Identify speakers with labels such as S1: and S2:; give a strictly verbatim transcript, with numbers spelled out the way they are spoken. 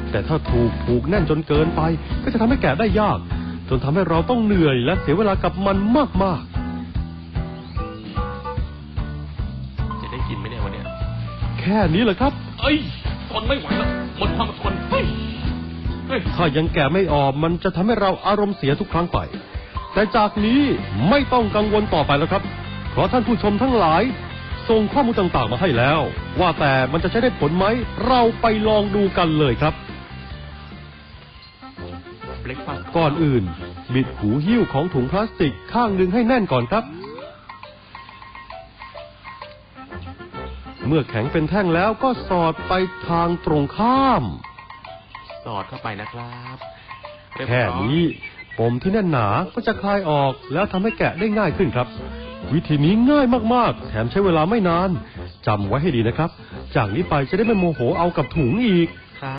S1: แต่ถ้าถูกผูกแน่นจนเกินไปก็จะทำให้แกะได้ยากจนทำให้เราต้องเหนื่อยและเสียเวลากับมันมาก
S2: ๆจะได้กินไหมเนี่ยวันนี้
S1: แค่นี้แหละครับ
S2: เอ้ยทนไม่ไหวแล้วหมดความอดทนเฮ้ย
S1: ถ้ายังแกะไม่ออกมันจะทำให้เราอารมณ์เสียทุกครั้งไปแต่จากนี้ไม่ต้องกังวลต่อไปแล้วครับเพราะท่านผู้ชมทั้งหลายส่งข้อมูลต่างๆมาให้แล้วว่าแต่มันจะใช้ได้ผลไหมเราไปลองดูกันเลยครับก่อนอื่นบิดหูหิ้วของถุงพลาสติกข้างหนึ่งให้แน่นก่อนครับเมื่อแข็งเป็นแท่งแล้วก็สอดไปทางตรงข้าม
S2: สอดเข้าไปนะครับ
S1: แค่นี้ปมที่แน่นหนาก็จะคลายออกแล้วทำให้แกะได้ง่ายขึ้นครับวิธีนี้ง่ายมากๆแถมใช้เวลาไม่นานจำไว้ให้ดีนะครับจากนี้ไปจะได้ไม่โมโหเอากับถุงอีก